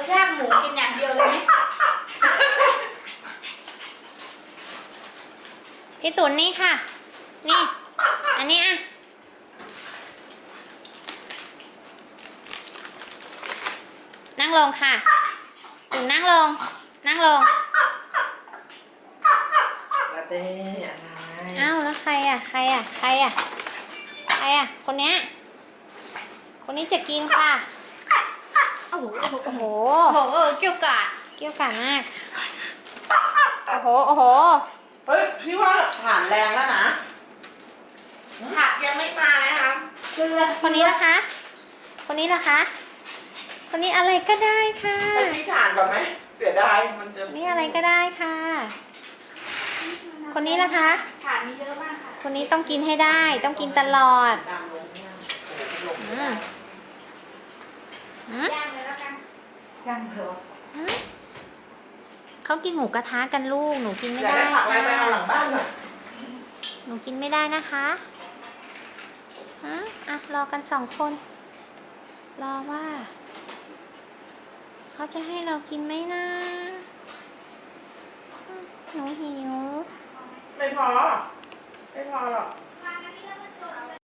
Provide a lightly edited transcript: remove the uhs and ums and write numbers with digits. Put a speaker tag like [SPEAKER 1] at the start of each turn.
[SPEAKER 1] ย่างหมูกินอย่างเดียวเลยไหม
[SPEAKER 2] พี่ตุ๋นนี่ค่ะนี่อันนี้อ่ะนั่งลงค่ะตุ๋นนั่งลงนั่งลง
[SPEAKER 3] ลาเต้อะไร
[SPEAKER 2] อ้าวแล้วใครอ่ะใครอ่ะใครอ่ะใครอ่ะคนเนี้ยคนนี้จะกินค่ะโอ้โหโอ้โห
[SPEAKER 1] โอ้โหเกี่ยวกาด
[SPEAKER 2] เกี่ยวกันมากโอ้โหโอ้โห
[SPEAKER 3] เฮ้ยพี่ว่าผ่านแรงแล้วนะ
[SPEAKER 1] ผักยังไม่มานะครับเกลือ
[SPEAKER 2] คนนี้ล่ะคะคนนี้ล่ะคะคนนี้อะไรก็ได้ค่ะ
[SPEAKER 3] ให้พี่ผ่านก่อนไหมเสียดายมันจะ
[SPEAKER 2] นี่อะไรก็ได้ค่ะ คนนี้ล่ะคะ
[SPEAKER 1] ถาดมีเยอะมากค่ะ
[SPEAKER 2] คนนี้ต้องกินให้ได้ต้องกินตลอด
[SPEAKER 3] ดำลงเนี่ยโอ้โหลง
[SPEAKER 2] อืมอืม
[SPEAKER 1] ย่างเลยแล้วกัน
[SPEAKER 3] ย่างเถอะ
[SPEAKER 2] อืมเขากินหมูกระทะกันลูกหนูกินไม่
[SPEAKER 3] อยาก
[SPEAKER 2] ได้
[SPEAKER 3] ได้ผักอะไรไปเอา
[SPEAKER 2] ค่ะ
[SPEAKER 3] หลังบ้านเลย
[SPEAKER 2] หนูกินไม่ได้นะคะอ่ะรอกัน2 คนรอว่าเขาจะให้เรากินไหมนะหนูหิว
[SPEAKER 3] ไม่พอ ไม่พอหรอก